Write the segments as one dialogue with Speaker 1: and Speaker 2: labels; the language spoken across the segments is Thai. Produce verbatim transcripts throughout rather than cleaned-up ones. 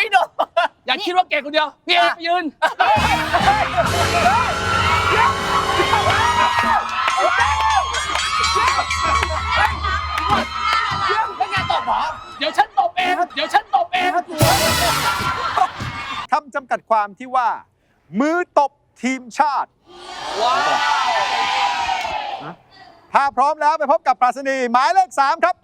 Speaker 1: ไม่โดนอย่าคิดว่าเก่งคนเดียวพี่เอไปยืนไม่งานตบหรอเดี๋ยวฉันตบเองเดี๋ยวฉันตบเอง
Speaker 2: คำจำกัดความที่ว่า มือตบทีมชาติว้าวถ้าพร้อมแล้วไปพบกับปรัชนีหมายเลขสามครับ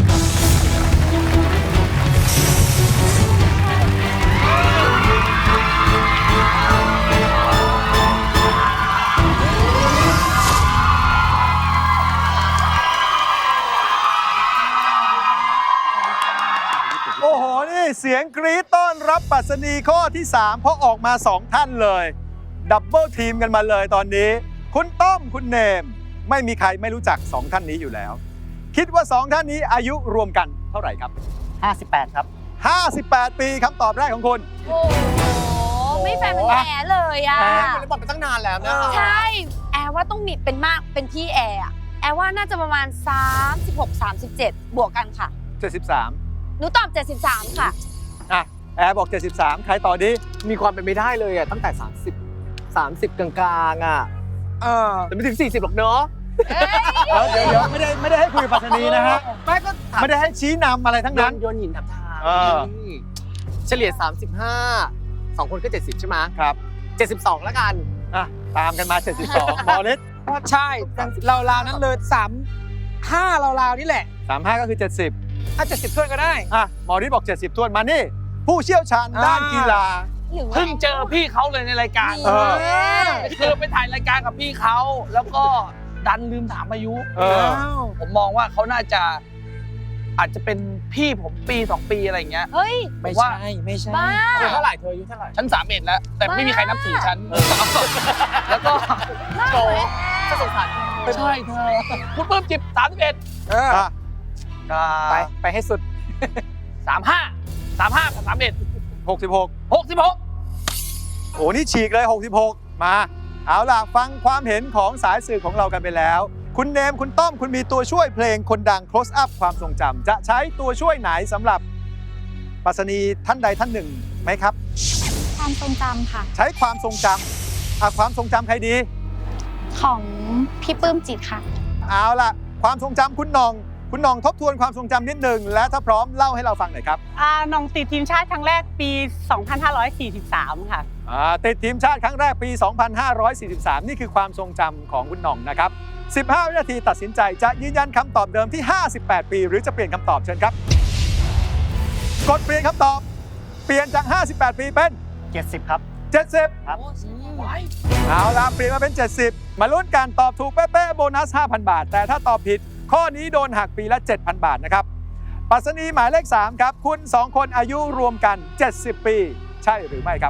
Speaker 2: โอ้โห นี่เสียงกรี๊ดต้อนรับปรัชนีข้อที่สามเพราะออกมาสองท่านเลยดับเบิลทีมกันมาเลยตอนนี้คุณต้อมคุณเนมไม่มีใครไม่รู้จักสองท่านนี้อยู่แล้วคิดว่าสองท่านนี้อายุรวมกันเท่าไหร่ครับ
Speaker 3: ห้าสิบแปดครับ
Speaker 2: ห้าสิบแปดปีคำตอบแรกของคุณ
Speaker 4: โอ้โหไม่แฟร์เป็นแอร์เลยอ่ะ
Speaker 1: แอร์มันบอลไปตั้งนานแล้วนะ
Speaker 4: ใช่แอร์ว่าต้องมีเป็นมากเป็นพี่แอร์แอร์ว่าน่าจะประมาณสามสิบหก สามสิบเจ็ดบวกกันค่ะ
Speaker 2: เจ็ดสิบสาม
Speaker 4: หนูตอบเจ็ดสิบสามค่ะ
Speaker 2: อ่ะแอร์บอกเจ็ดสิบสามใครต่อดี
Speaker 3: มีความเป็นไปได้เลยอ่ะตั้งแต่สามสิบ สามสิบกลางๆอ่ะ
Speaker 2: เออ
Speaker 3: แต่ไม่ถึงสี่สิบหรอกเนาะ
Speaker 2: เดี๋ยวเดี๋ยวไม่ได้ไม่ได้ให้คุยกับปรัชนีนะฮะไม่ก็ไม่ได้ให้ชี้นำอะไรทั้งนั้น
Speaker 3: โยนหินถามทางเฉลี่ยสามสิบห้าสองคนก็เจ็ดสิบใช่ไหม
Speaker 2: ครับ
Speaker 3: เจ็ดสิบสองแล้วกัน
Speaker 2: อ่ะตามกันมาเจ็ดสิบสองมอลิส
Speaker 1: ใช่เราราวนั้นเลยสามห้าเราราวนี่แหละ
Speaker 2: สามห้าก็คือเจ็ดสิบ
Speaker 1: ถ้าเจ็ดสิบถ้วนก็ได้
Speaker 2: อ่ะมอริสบอกเจ็ดสิบถ้วนมานี่ผู้เชี่ยวชาญด้านกีฬา
Speaker 1: เพิ่งเจอพี่เขาเลยในรายการคือไปถ่ายรายการกับพี่เขาแล้วก็ดันลืมถามอายุผมมองว่าเขาน่าจะอาจจะเป็นพี่ผมปีสองปีอะไรอย่างเงี้ย
Speaker 4: เฮ้ย
Speaker 1: ไม่ใช่ไม่ใช่
Speaker 3: เธอเท่าไหร่เธออายุเท่าไหร่
Speaker 1: ฉันสามเอ็ดแล้วแต่ไม่มีใครนับถือฉันแล้วก็
Speaker 3: โจก็สงสาร
Speaker 1: ใช่เธอคุณเพิ่มจิบสามสิบเอ็ด
Speaker 3: ไปไปให้สุด
Speaker 1: สามห้าสามห้ากับสามเอ็ด
Speaker 2: หกสิบหก
Speaker 1: หกสิบหก
Speaker 2: โอ้นี่ฉีกเลยหกสิบหกมาเอาล่ะฟังความเห็นของสายสื่อของเรากันไปแล้วคุณเนมคุณต้อมคุณมีตัวช่วยเพลงคนดัง close up ความทรงจำจะใช้ตัวช่วยไหนสำหรับปรัชนีท่านใดท่านหนึ่งไหมครับ
Speaker 5: ความทรงจำค่ะ
Speaker 2: ใช้ความทรงจำอ่ะความทรงจำใครดี
Speaker 5: ของพี่ปื้มจิตค่ะ
Speaker 2: เอาล่ะความทรงจำคุณนองคุณนองทบทวนความทรงจำนิดหนึ่งและถ้าพร้อมเล่าให้เราฟังหน่อยครับ
Speaker 6: อ่านองติดทีมชาติครั้งแรกปี สองพันห้าร้อยสี่สิบสาม ค่ะ
Speaker 2: อ่าติดทีมชาติครั้งแรกปี สองพันห้าร้อยสี่สิบสาม นี่คือความทรงจำของคุณนองนะครับสิบห้าวินาทีตัดสินใจจะยืนยันคำตอบเดิมที่ห้าสิบแปดปีหรือจะเปลี่ยนคำตอบเชิญครับกดเปลี่ยนคำตอบเปลี่ยนจากห้าสิบแปดปีเป็น
Speaker 3: เจ็ดสิบครับ
Speaker 2: เจ็ดสิบ
Speaker 3: ครับ
Speaker 2: เอาล่ะเปลี่ยนมาเป็นเจ็ดสิบมาลุ้นกันตอบถูกเป๊ะๆโบนัส ห้าพัน บาทแต่ถ้าตอบผิดข้อนี้โดนหักปีละ เจ็ดพัน บาทนะครับปรัชนีหมายเลขสามครับคุณสองคนอายุรวมกันเจ็ดสิบปีใช่หรือไม่ครับ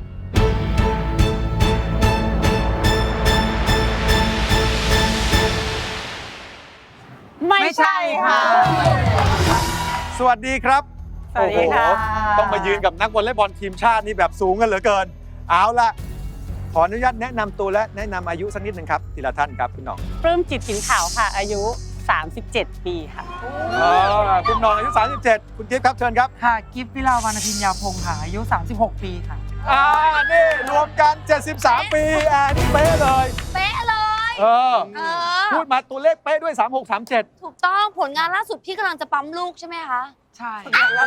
Speaker 6: ไม่ใช่ค่ะ
Speaker 2: สวัสดีครับ
Speaker 6: สวัสดีค่ะ
Speaker 2: ต้องมายืนกับนักวอลเลย์บอลทีมชาตินี่แบบสูงกันเหลือเกินเอาล่ะขออนุญาตแนะนำตัวและแนะนำอายุสักนิดนึงครับทีละท่านครับคุณน้อง
Speaker 6: ปลื้มจิตถินขาวค่ะอายุสามสิบเจ็ดปีค่ะ
Speaker 2: คุณน้องอายุสามสิบเจ็ดคุณกิฟต์ครับเชิญครับ
Speaker 7: ค่ะกิฟต์วิลาวรรณพิญญาพงศ์ค่ะอายุสามสิบหกปีค่ะ
Speaker 2: อ่านี่รวมกันเจ็ดสิบสามปีอ่านี่เป๊ะเลย
Speaker 4: เป๊ะเลย
Speaker 2: เออพูดมาตัวเลขเป๊ะด้วยสามหก สามเจ็ด
Speaker 4: ถูกต้องผลงานล่าสุดพี่กำลังจะปั๊มลูกใช่ไหมคะ
Speaker 7: ใช่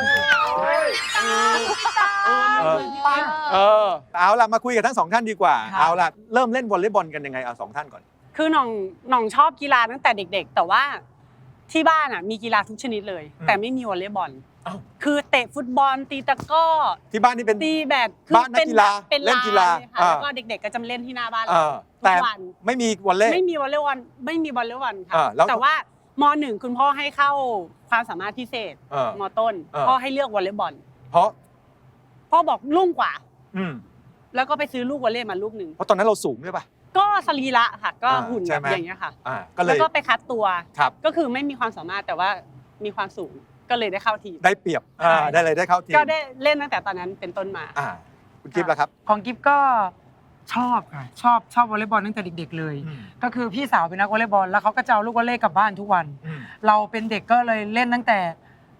Speaker 2: เออเอาล่ะมาคุยกับทั้งสองท่านดีกว่าเอาล่ะเริ่มเล่นวอลเลย์บอลกันยังไงเอาสองท่านก่อน
Speaker 6: คือน้องน้องชอบกีฬาตั้งแต่เด็กๆแต่ว่าที่บ้านอ่ะมีกีฬาทุกชนิดเลยแต่ไม่มีวอลเลย์บอลคือเตะฟุตบอลตีตะก้อ
Speaker 2: ที่บ้านนี่เป็น
Speaker 6: ตีแบด
Speaker 2: บ้านนักกีฬา
Speaker 6: เล่น
Speaker 2: กีฬา
Speaker 6: แล้วก็เด็กๆก็จะเล่นที่หน้าบ้านเรา
Speaker 2: แต่ไม่มีวอลเลย์
Speaker 6: ไม่มีวอลเลย์บอลไม่มีวอลเลย์บอลค่ะแต่ว่าม.หนึ่งคุณพ่อให้เข้าความสามารถพิเศษม.ต้นพ่อให้เลือกวอลเลย์บอล
Speaker 2: เพราะ
Speaker 6: พ่อบอกลุ่งกว่าแล้วก็ไปซื้อลูกวอลเลย์มาลูกหนึ่ง
Speaker 2: เพราะตอนนั้นเราสูงด้วยป่ะ
Speaker 6: ก็สรีระค่ะก็หุ่นแบบอย่างเงี้ยค่ะแล้วก็ไปคัดตัวก็คือไม่มีความสามารถแต่ว่ามีความสูงก็เลยได้เข้าทีม
Speaker 2: ได้เปรียบได้เลยได้เข้าทีม
Speaker 6: ก็ได้เล่นตั้งแต่ตอนนั้นเป็นต้นมา
Speaker 2: คุณกิฟต์ล่ะครับ
Speaker 7: ของกิฟต์ก็ชอบค่ะชอบชอบวอลเลย์บอลตั้งแต่เด็กๆเลยก็คือพี่สาวเป็นนักวอลเลย์บอลแล้วเขาก็จะเอาลูกวอลเลย์กลับบ้านทุกวันเราเป็นเด็กก็เลยเล่นตั้งแต่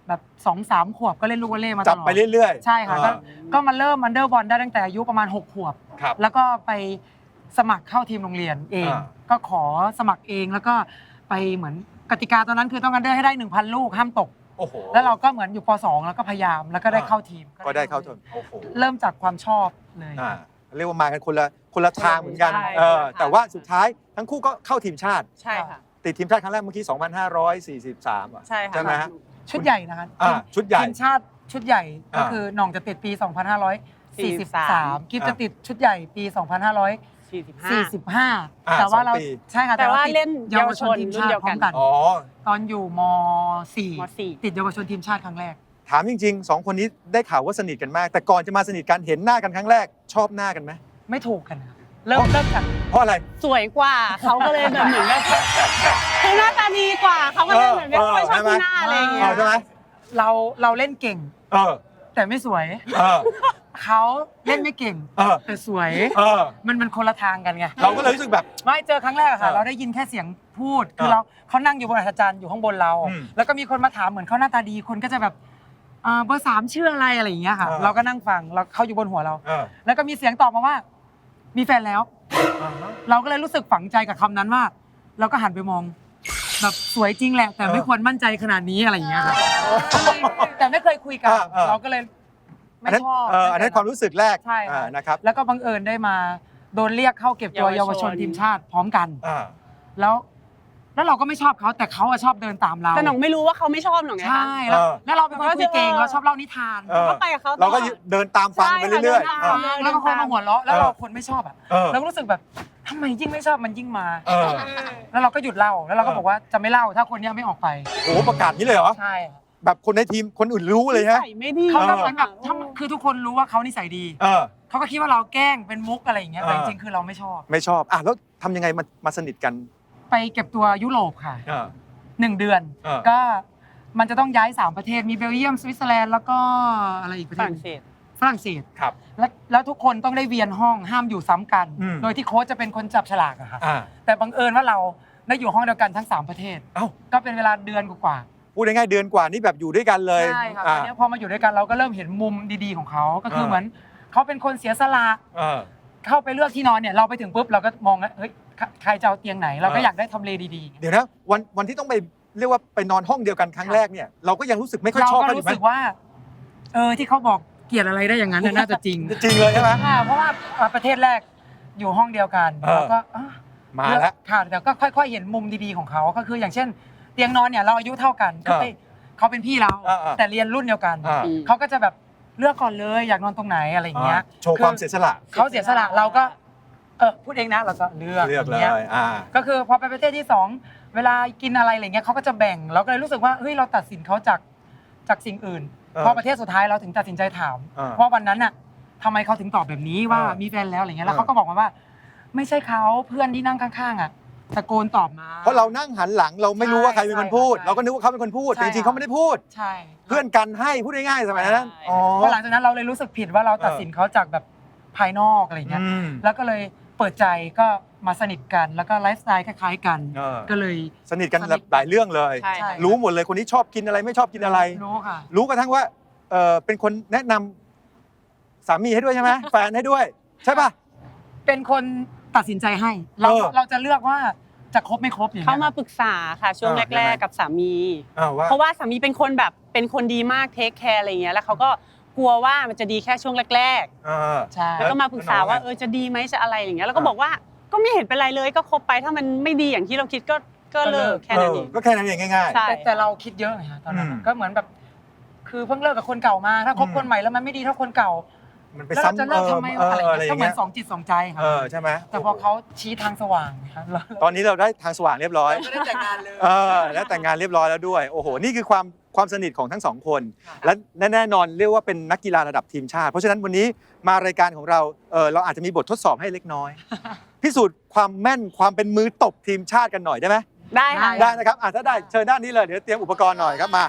Speaker 7: แบบสองสามขวบก็เล่นลูกวอลเลย์มาต
Speaker 2: จับ
Speaker 7: ลอด
Speaker 2: ไปเรื่อยๆ
Speaker 7: ใช่ค่ะ
Speaker 2: เอ
Speaker 7: ก็
Speaker 2: อ
Speaker 7: ก็มาเริ่มอันเดอร์บอลได้ตั้งแต่อายุประมาณหกขวบ
Speaker 2: ครับ
Speaker 7: แล้วก็ไปสมัครเข้าทีมโรงเรียนเอง
Speaker 2: อ่า
Speaker 7: ก็ขอสมัครเองแล้วก็ไปเหมือนกติกาตอนนั้นคือต้องอันเดอร์ให้ได้ หนึ่งพัน ลูกห้ามตก
Speaker 2: โอ้โห
Speaker 7: แล้วเราก็เหมือนอยู่ป สอง แล้วก็พยายามแล้วก็ได้เข้าทีม
Speaker 2: ก็ได้เข้าทีมโอ้โห
Speaker 7: เริ่มจากความชอบเลย
Speaker 2: อ่าเรียกว่ามากันคนละคนละทางเหมือนกัน
Speaker 6: ใช่
Speaker 2: เออ
Speaker 6: ใช่
Speaker 2: แต่ว่าสุดท้ายทั้งคู่ก็เข้าทีมชาติ
Speaker 6: ใช่ค่ะ
Speaker 2: ติดทีมชาติครั้งแรกเมื่อกี้ สองพันห้าร้อยสี่สิบสาม อ่ะ
Speaker 6: ใช่ค่ะ
Speaker 2: ใช่ไหมฮะ
Speaker 7: ชุดใหญ่นะคะ
Speaker 2: อ่าชุดใหญ่
Speaker 7: ทีมชาติชุดใหญ่ก็
Speaker 2: อ่า
Speaker 7: คือหน่องจะติดปี สองพันห้าร้อยสี่สิบสาม กิฟ
Speaker 2: อ่า
Speaker 7: จะติดชุดใหญ่ปี สองพันห้าร้อย
Speaker 6: สี่สิบห้า
Speaker 7: สี่สิบห้า
Speaker 2: อ่า
Speaker 7: แต่ว่าเรา
Speaker 2: สองปี
Speaker 7: ใช่ค่ะ
Speaker 6: แต่ว่า
Speaker 7: ติด
Speaker 6: เล่น
Speaker 7: เยาวชนทีมชาติ
Speaker 6: เยาวชนรุ่นเดียว
Speaker 7: พร้
Speaker 6: กั
Speaker 7: อน มกัน
Speaker 2: อ๋อ
Speaker 7: ตอนอยู่ม สี่
Speaker 6: มสี่
Speaker 7: ติดเยาวชนทีมชาติครั้งแรก
Speaker 2: ถามจริงๆสองคนนี้ได้ข่าวว่าสนิทกันมาก แต่ก่อนจะมาสนิทกันเห็นหน้ากันครั้งแรกชอบหน้ากันไหม
Speaker 7: ไม่ถูกกันค่ะเริ่มเริ่มจาก
Speaker 2: เพราะอะไร
Speaker 6: สวยกว่าเขาก็เลยแบบเหมือนแบบคือหน้าตาดีกว่าเขาก็เลยเหมือนไม่ค่อยชอบที่หน้าอะไรอย่างเงี้
Speaker 2: เอย อใช่ไหม
Speaker 7: เราเราเล่นเก่ง
Speaker 2: เออ
Speaker 7: แต่ไม่สวย
Speaker 2: เออ
Speaker 7: เขาเล่นไม่เก่ง
Speaker 2: เออ
Speaker 7: แต่สวย
Speaker 2: เออ
Speaker 7: มันมันคนละทางกันไง
Speaker 2: เราก็เลยรู้สึกแบบ
Speaker 7: ไม่เจอครั้งแรกอะค่ะ
Speaker 2: เออ
Speaker 7: เราได้ยินแค่เสียงพูด คือ
Speaker 2: เออ
Speaker 7: เราเขานั่งอยู่บนอัศจรรย์อยู่ข้างบนเรา
Speaker 2: อืม
Speaker 7: แล้วก็มีคนมาถามเหมือนเขาหน้าตาดีคนก็จะแบบเอ่อเบอร์สามชื่ออะไรอะไรอย่างเงี้ยค่ะ
Speaker 2: เออ
Speaker 7: เราก็นั่งฟังแล้วเขาอยู่บนหัวเรา
Speaker 2: เออ
Speaker 7: แล้วก็มีเสียงตอบมาว่า มีแฟนแล้ว เราก็เลยรู้สึกฝังใจกับคำนั้นว่า เราก็หันไปมอง แบบสวยจริงแหละ แต่ไม่ควรมั่นใจขนาดนี้อะไรอย่างเงี้ยค่ะก็เลยแต่ไม่เคยคุยกัน
Speaker 2: เออเออ
Speaker 7: เราก็เลย
Speaker 2: อั
Speaker 7: ไม่
Speaker 2: นนั้น
Speaker 7: ชอบ
Speaker 2: เอออันนั้นความรู้สึกแรก
Speaker 7: ใช่ค่ะ
Speaker 2: อ่านะครับ
Speaker 7: แล้วก็บังเอิญได้มาโดนเรียกเข้าเก็บตัวเยา
Speaker 6: เยาว ว
Speaker 7: ช
Speaker 6: ช
Speaker 7: น
Speaker 6: น
Speaker 7: ทีมชาติพร้อมกัน
Speaker 2: อ่า
Speaker 7: แล้ว แล้วเราก็ไม่ชอบเขาแต่เขาอะชอบเดินตามเรา
Speaker 6: แต่หน่องไม่รู้ว่าเขาไม่ชอบหน่องไง
Speaker 7: ใช่
Speaker 6: คะ
Speaker 7: แล้ว
Speaker 2: เออ
Speaker 7: แล้วเราเป็นคนคุยเก่งเราชอบเล่านิทาน
Speaker 2: เออ
Speaker 6: ก็ไปกับเขาตลอด
Speaker 2: เราก็เดินตามฟังไปเรื่อยๆ
Speaker 6: ใช่
Speaker 2: เอ
Speaker 6: ค่ะ
Speaker 2: อ
Speaker 7: แล้วก็คนมาหัวเราะแล้วเราคนไม่ชอบอะ
Speaker 2: เออ
Speaker 7: เราก็รู้สึกแบบทำไมยิ่งไม่ชอบมันยิ่งมา
Speaker 2: เออ
Speaker 7: แล้วเราก็หยุดเล่าแล้วเราก็
Speaker 2: เออ
Speaker 7: บอกว่าจะไม่เล่าถ้าคนเนี้ยไม่ออกไป
Speaker 2: โอ้โหประกาศนี้เลยเหรอ
Speaker 7: ใช่ค่ะ
Speaker 2: แบบคนในทีมคนอื่นรู้เลยฮะ
Speaker 6: ใส่ไม่ดี
Speaker 7: เขาก็เหมือนแบบถ้าคือทุกคนรู้ว่าเขานิสัยดี
Speaker 2: เออ
Speaker 7: เขาก็คิดว่าเราแกล้งเป็นมุกอะไรอย่างเงี้ยแต่
Speaker 2: เอ
Speaker 7: จ
Speaker 2: อ
Speaker 7: ริงๆคือเราไม่ชอบ
Speaker 2: ไม่ชอบ อ่ะแล้วทำยังไงมามาสนิทกัน
Speaker 7: ไปเก็บตัวยุโรปค่ะ
Speaker 2: เออ
Speaker 7: หนึ่งเดือน
Speaker 2: เออ
Speaker 7: ก็มันจะต้องย้ายสามประเทศมีเบลเยียมสวิตเซอร์แลนด์แล้วก็อะไรอีกประ
Speaker 6: ฝ
Speaker 7: เทศ
Speaker 6: รั่งเศส
Speaker 7: ฝรั่งเศส
Speaker 2: ครับ
Speaker 7: แล้วแล้วทุกคนต้องได้เวียนห้องห้ามอยู่ซ้ำกัน
Speaker 2: อืม
Speaker 7: โดยที่โค้ชจะเป็นคนจับฉลากอะค่ะ
Speaker 2: อ่า
Speaker 7: แต่บังเอิญว่าเราได้อยู่ห้องเดียวกันทั้งสามประเทศ
Speaker 2: เอ้า
Speaker 7: ก็เป็นเวลาเดือนกว่า
Speaker 2: พูดง่ายๆเดือนกว่านี่แบบอยู่ด้วยกันเลย
Speaker 7: ๆใช่ค่ะต
Speaker 2: อ่า
Speaker 7: อนนี้พอมาอยู่ด้วยกันเราก็เริ่มเห็นมุมดีๆของเขาก็คือ
Speaker 2: เออ
Speaker 7: เหมือนเขาเป็นคนเสียสละ
Speaker 2: เออ
Speaker 7: เข้าไปเลือกที่นอนเนี่ยเราไปถึงปุ๊บเราก็มองแล้วเฮ้ยใครใครจะเอาเตียงไหน เราก็
Speaker 2: เออ
Speaker 7: อ
Speaker 2: อ
Speaker 7: ยากได้ทำเลดีๆ
Speaker 2: เดี๋ยวนะวันวันที่ต้องไปเรียกว่าไปนอนห้องเดียวกันครั้งแรกเนี่ยเราก็ยังรู้สึกไม่ค่อย
Speaker 7: เรา
Speaker 2: ชอบ
Speaker 7: ก็
Speaker 2: กันอยู่
Speaker 7: รู้
Speaker 2: ไหม
Speaker 7: สึกว่า เออที่เขาบอกเกลียดอะไรได้อย่างนั้นน่ะน่าจะจริง
Speaker 2: จริงเลยใช่ไหม
Speaker 7: ค่ะเพราะว่าอ่ะประเทศแรกอยู่ห้องเดียวกัน
Speaker 2: เออ
Speaker 7: เราก็อ่ะ
Speaker 2: มาแล้ว
Speaker 7: ค่ะแต่ก็ค่อยๆเห็นมุมดีๆของเขาก็คืออย่างเช่น เตียงนอนเนี่ยเราอายุเท่ากันก็
Speaker 2: เออ
Speaker 7: เอ้ยเขาเป็นพี่เรา
Speaker 2: เออเออ
Speaker 7: แต่เรียนรุ่นเดียวกัน
Speaker 2: อ่า
Speaker 6: อืม
Speaker 7: เขาก็จะแบบเลือกก่อนเลยอยากนอนตรงไหนอะไรอย่างเงี้ย
Speaker 2: โชว์ความเสียสละ
Speaker 7: เขาเสียสละเราก็เออพูดเองนะเราก็เลือก
Speaker 2: เลือกเล
Speaker 7: างงี้
Speaker 2: ยอ่า
Speaker 7: ก็คือพอไปประเทศที่สองเวลากินอะไรอะไรเงี้ยเขาก็จะแบ่งเราก็เลยรู้สึกว่าเฮ้ยเราตัดสินเขาจากจากสิ่งอื่น
Speaker 2: เออ
Speaker 7: พอประเทศสุดท้ายเราถึงตัดสินใจถาม
Speaker 2: เออ
Speaker 7: ว่าวันนั้นน่ะทำไมเขาถึงตอบแบบนี้ว่า
Speaker 2: เออ
Speaker 7: มีแฟนแล้วอะไรเงี้ยแล้ว
Speaker 2: เออ
Speaker 7: เขาก็บอกมาว่า ไม่ใช่เขาเพื่อนที่นั่งข้างๆอ่ะตะโกนตอบมา
Speaker 2: เพราะเรานั่งหันหลังเราไม่รู้ว่าใครเป็นคนพูด
Speaker 7: ใช่
Speaker 2: เราก็นึกว่าเขาเป็นคนพูด
Speaker 7: ใช่
Speaker 2: แต่จริงๆเขาไม่ได้พูด
Speaker 7: ใช่
Speaker 2: เพื่อนกันให้พูดง่ายๆสมัยนั้น
Speaker 6: ใช่
Speaker 2: อ๋อ
Speaker 7: พอหลังจากนั้นเราเลยรู้สึกผิดว่าเราตัดสินเขาจากแบบภายนอกอะไรเงี้ย
Speaker 2: อืม
Speaker 7: แล้วก็เลยเปิดใจก็มาสนิทกันแล้วก็ไลฟ์สไตล์คล้ายๆกัน
Speaker 2: เออ
Speaker 7: ก็เลย
Speaker 2: สนิทกันหลายเรื่องเลย
Speaker 6: ใช่
Speaker 7: ใช่
Speaker 2: รู้หมดเลยคนนี้ชอบกินอะไรไม่ชอบกินอะไร
Speaker 7: รู้ค่ะ
Speaker 2: รู้กระทั่งว่าเออเป็นคนแนะนำสามีให้ด้วยใช่ไหม แฟนให้ด้วย ใช่ป่ะ
Speaker 7: เป็นคนตัดสินใจให้ เรา
Speaker 2: เออ
Speaker 7: เราจะเลือกว่าจะครบไม่ครบอย่าง
Speaker 6: เขา
Speaker 7: เงี้ย
Speaker 6: มาปรึกษาค่ะช่วง
Speaker 2: อ่ายัง
Speaker 6: แร
Speaker 2: ไง
Speaker 6: กๆกับสามี
Speaker 2: อ้าวว่า
Speaker 6: เพราะว่าสามีเป็นคนแบบเป็นคนดีมากเทคแคร์อะไรเงี้ยแล้วเขาก็กลัวว่ามันจะดีแค่ช่วงแรก
Speaker 2: เออ
Speaker 7: ใช่
Speaker 6: ๆ แล้วก็มาปรึกษาว่าเออจะดีไหมจะอะไรอย่างเงี้ยแล้วก็
Speaker 2: อ่า
Speaker 6: บอกว่าก็ไม่เห็นเป็นไรเลยก็คบไปถ้ามันไม่ดีอย่างที่เราคิดก็ก็เลิกแค่นั้นเอง
Speaker 2: ก็แค่นั้นเองง่าย
Speaker 6: ใช่
Speaker 7: แต่แต่เราคิดเยอะไงฮะตอนนั้น
Speaker 2: อืม
Speaker 7: ก็เหมือนแบบ คือเพิ่งเลิกกับคนเก่ามา ถ้าคบ
Speaker 2: อืม
Speaker 7: คนใหม่แล้วมันไม่ดีเท่าคนเก่า
Speaker 2: ๆ มันไป
Speaker 7: แล้วเราจะ
Speaker 2: ซ้ำ
Speaker 7: เลิกทำไม
Speaker 2: เออ
Speaker 7: อะไร
Speaker 2: เอออะไรอ
Speaker 7: ก็
Speaker 2: ย่าง
Speaker 7: เหมื
Speaker 2: เงี้
Speaker 7: อย นสองจิตสองใจครับ
Speaker 2: เออใช่ไหม
Speaker 7: แต่พอเขาชี้ทางสว่างนะครับเรา
Speaker 2: ตอนนี้เราได้ทางสว่างเรียบร้อย
Speaker 7: ก็ได้แต่งงานเลย
Speaker 2: เออแล้วแต่งงานเรียบร้อยแล้วด้วย โอ้โห นี่คือความความสนิทของทั้งสองคน
Speaker 7: ค่ะ
Speaker 2: และแน่นอนเรียกว่าเป็นนักกีฬาระดับทีมชาติ เพราะฉะนั้นวันนี้มารายการของเราเออเราอาจจะมีบททดสอบให้เล็กน้อย พิสูจน์ความแม่นความเป็นมือตบทีมชาติกันหน่อยได้ไหม
Speaker 6: ได้ค่ะ
Speaker 2: ได้นะครับอ่ะถ้าได้เชิญด้านนี้เลย เดี๋ยวเตรียมอุปกรณ์หน่อยครับมา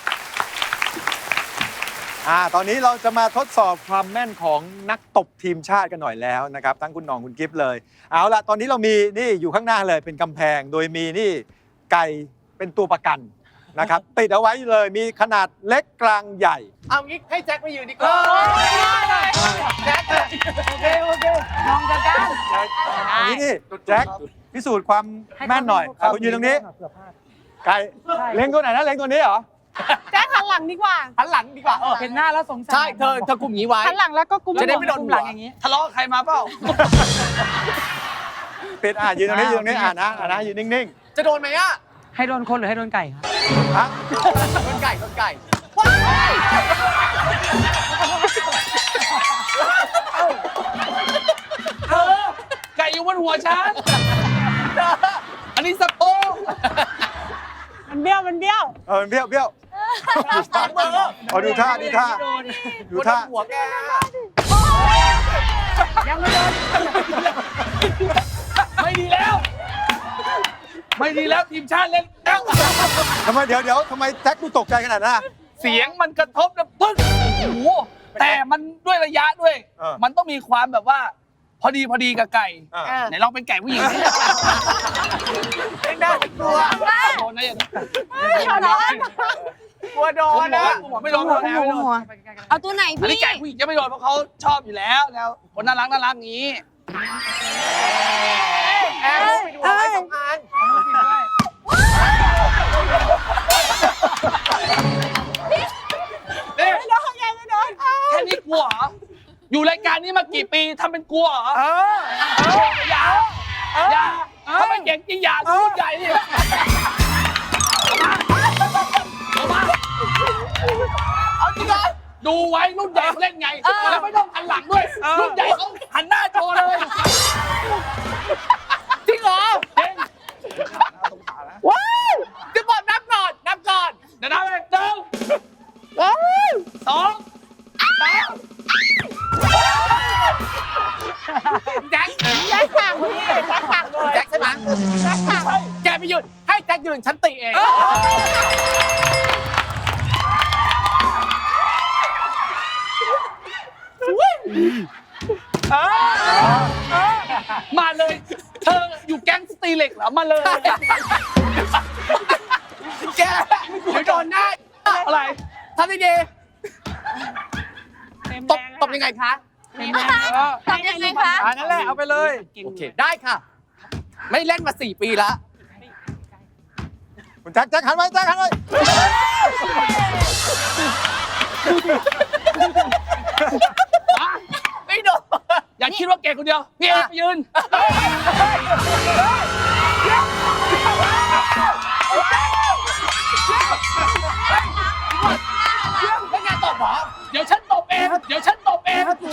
Speaker 2: อ่าตอนนี้เราจะมาทดสอบความแม่นของนักตบทีมชาติกันหน่อยแล้วนะครับทั้งคุณหน้องคุณกิฟต์เลย เอาละตอนนี้เรามีนี่อยู่ข้างหน้าเลยเป็นกำแพง โดยมีนี่ไก่เป็นตัวประกันนะครับติดเอาไว้เลยมีขนาดเล็กกลางใหญ่
Speaker 3: เอางี้ให้แจ็คไปยืนดีกว่าแจ็ค
Speaker 7: โอเคโอเคมองกันกัน
Speaker 2: อันนี้นี่แจ็คพิสูจน์ความแม่นหน่อยอ่ะคุณยืนตรงนี้ไก่เล็งตัวไหนนะเล็งตัวนี้เหรอ
Speaker 6: แจ๊คหันหลังดีกว่า
Speaker 3: หันหลังดีกว่าเออ
Speaker 7: เห็นหน้าแล้วสงสาร
Speaker 3: ใช่เธอเธอกลุ่มนี้ไว้
Speaker 6: หันหลังแล้วก็กุม
Speaker 3: จะได้ไม่โดน
Speaker 7: กุ
Speaker 3: หัว
Speaker 7: หลังอย่างนี้
Speaker 1: ทะเลาะกับใครมาเปล่า
Speaker 2: ปิดอ่ะยืนตรงนี้ยืนตรงนี้อ่ะนะอ่ะนะยืนนิ่ง
Speaker 3: จะโดนไหมอ่ะ
Speaker 7: ให้โดนคนหรือให้โดนไก่ครับ
Speaker 2: ๆฮะ
Speaker 3: โดนไก่โดนไก่
Speaker 1: เธอไก่อยู่บนหัวฉัน อันนี้สะโพก
Speaker 6: มันเบี้ยวมันเบี้ยว
Speaker 2: เออเบี้ยวเบี้ยวเอาดูท่าดูท่าดูท่า
Speaker 3: หัวแก
Speaker 7: ยังไม่โดน
Speaker 1: ไม่ดีแล้ว ไม่ดีแล้วทีมชาติเล่นแล้ว
Speaker 2: ทำไมเดี๋ยวเดี๋ยวทำไมแจ็คดูตกใจขนาดนั้นอ่ะ
Speaker 1: เสียงมันกระทบนะปึ๊กโอ้โหแต่มันด้วยระยะด้วย
Speaker 2: เออ
Speaker 1: มันต้องมีความแบบว่า พอดีพอดีกับไก่
Speaker 2: อ่ะ
Speaker 6: เออ
Speaker 1: ไหนลองเป็นไก่ผู้หญิงสิ
Speaker 3: ไม่ได้กลัว
Speaker 1: โดนนะอย่างนี้
Speaker 3: กลัวโดนนะ
Speaker 1: หัวไม่โดนหัวไม่โดน
Speaker 4: เอาตัวไหน
Speaker 1: อันนี้
Speaker 4: พี่
Speaker 1: ไก่ผู้หญิงจะไม่โดนเพราะเขาชอบอยู่แล้วแล้วคนน่ารักน่ารักอย่างนี้
Speaker 3: แอบไปดูไว้สองอัน
Speaker 1: นี่ไม่โดนยังไม่โดนแค่นี้กลัวเหรอ อยู่รายการนี้มากี่ปีทำเป็นกลัวเหรอ
Speaker 2: เออ
Speaker 1: อย่าอย่าถ้าไม่เก่งจริงอย่ารุ่นใหญ่ดิเอามาเอาจริงเหรอดูไว้รุ่นใหญ่เขาเล่นไง แล้วไม่ต้องหันหลังด้วย รุ่นใหญ่เขาหันหน้าโชว์เลย
Speaker 3: จริงเหรอ
Speaker 1: จริง
Speaker 3: ว้าวจะบอกนับก่อนนับก่อน
Speaker 1: เดี๋ยวนะหนึ่งสองสาม
Speaker 3: แจ็คแจ็คสั่งพี่แจ็คสั่งเลยแจ็คใช่ไหมแจ็คสั่งแกไปยืนให้แจ็คยืนฉันติเอง
Speaker 1: มาเลย เธออยู่แก๊งสตีเล็กเหรอ มาเลย
Speaker 3: แกเดี๋ยวโดนหน้า
Speaker 1: อะไร
Speaker 3: ทำได้ดีตบตบยังไงคะ
Speaker 4: ทำยังไงคะ
Speaker 2: อ่านั่นแหละเอาไปเลย
Speaker 3: โอเคได้ค่ะ ไม่เล่นมาสี่ปีแล้ว
Speaker 2: คุณแจ็คแจ็คหันไว้แจ็คหันไว้
Speaker 3: ไม่โดน
Speaker 1: อย่าคิดว่าเก่งคนเดียว พี่เอกไปยืน
Speaker 3: ไม่งานตบหรอ
Speaker 1: เดี๋ยวฉันตบเอง เดี๋ยวฉันตบเอง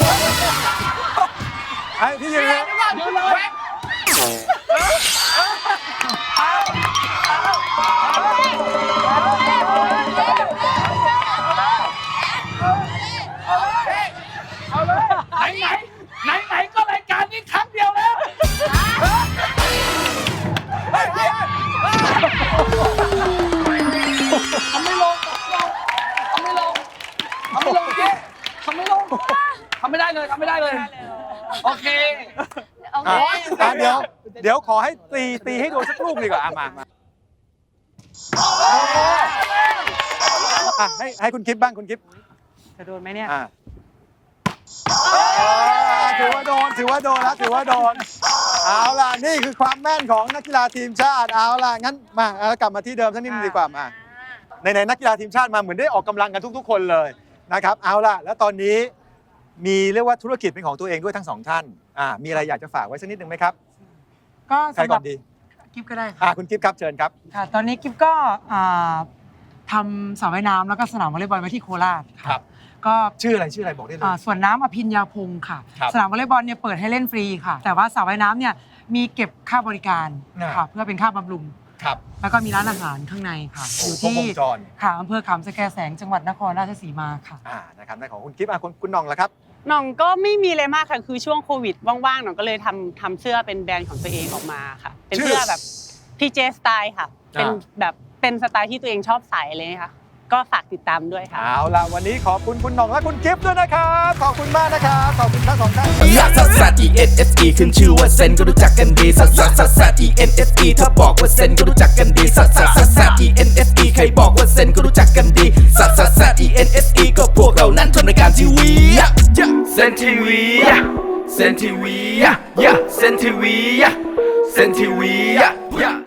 Speaker 2: ไอ้ที่ยืนเลย
Speaker 1: เดี๋ยวเลย ไหนไหนไหนไหนก็รายการนี้ครั้งเดียวแล้ว ทำไม่ลงทำไม่ลงทำไม่ลงเจ๊ทำไม่ลงทำไม่ได้เลยทำไม่ได้เลย โอเค
Speaker 4: โอเค
Speaker 2: อ่ะอ่ะเดี๋ยวเดี๋ยวขอให้ตีตีให้โดนสักลูกดีกว่าอ่ะมามาอ่ะให้ให้คุณกิฟต์บ้างคุณกิฟต์
Speaker 7: จะโดนไหมเนี่ย
Speaker 2: อ่ะถือว่าโดนถือว่าโดนแล้วถือว่าโดนเอาล่ะนี่คือความแม่นของนักกีฬาทีมชาติเอาล่ะงั้นมาเอากลับมาที่เดิมสักนิดนึงดีกว่ามาในในนักกีฬาทีมชาติมาเหมือนได้ออกกำลังกันทุก ๆ คนเลยนะครับเอาล่ะแล้วตอนนี้มีเรียกว่าธุรกิจเป็นของตัวเองด้วยทั้งสองท่านอ่ามีอะไรอยากจะฝากไว้สักนิดนึงไหมครับ
Speaker 7: ก็
Speaker 2: ใคร
Speaker 7: สำห
Speaker 2: ก่
Speaker 7: รั
Speaker 2: อบ นดี
Speaker 7: กิฟก็ได้ค่ะ
Speaker 2: อ่าคุณกิฟต์ครับเชิญครับ
Speaker 7: ค่ะ ตอนนี้กิฟก็อ่าทำสระว่ายน้ำแล้วก็สนามวอลเลย์บอลไว้ที่โคราชะ
Speaker 2: ครับ
Speaker 7: ก็
Speaker 2: ชื่ออะไรชื่ออะไรบอกได้เลย
Speaker 7: อ่าส่วนน้ำอภิญญาพงศ์ค่ะ
Speaker 2: ครับ
Speaker 7: สนามวอลเลย์บอลเนี่ยเปิดให้เล่นฟรีค่ะ แต่ว่าสระว่ายน้ำเนี่ยมีเก็บค่าบริการ
Speaker 2: น่ะ
Speaker 7: ค่ะ เพื่อเป็นค่าบำรุง
Speaker 2: ครับ
Speaker 7: แล้วก็มีร้านอาหารข้างในค่ะ อยู่
Speaker 2: ครบ
Speaker 7: ที่
Speaker 2: วงจร
Speaker 7: ค่ะอำเภอขามสแกแสงจังหวัดนครราชสีมาค่ะ
Speaker 2: อ่านะครับนั่นของคุณกิฟต์อ่ะคุณคุณน้องละครับ
Speaker 6: หน่องก็ไม่มีอะไรมากค่ะ คือช่วงโควิดว่างๆหน่องก็เลยทำทำเสื้อเป็นแบรนด์ของตัวเองออกมาค่ะ เป็นเสื้อแบบพีเจสไตล์ค่ะ เป็น
Speaker 2: อ่า
Speaker 6: แบบเป็นสไตล์ที่ตัวเองชอบใส่เลยค่ะก็ฝากติดตามด้วยค่ะ
Speaker 2: เอาล่ะวันนี้ขอบคุณคุณหน่องและคุณกิฟต์ด้วยนะครับขอบคุณมากนะครับขอบคุณทั้งสองท่าน
Speaker 8: ลักซัสซัส E N S E ขึ้นชื่อว่าเซนก็รู้จักกันดีซัสซัสซัสซัส E N S E ถ้าบอกว่าเซนก็รู้จักกันดีซัสซัสซัสซัส E N S E ใครบอกว่าเซนก็รู้จักกันดีซัสซัสซัส E N S E ก็พวกเรานั้นทำรายการทีวีเซนทีวีเซนทีวีเซนทีวีเซนทีวี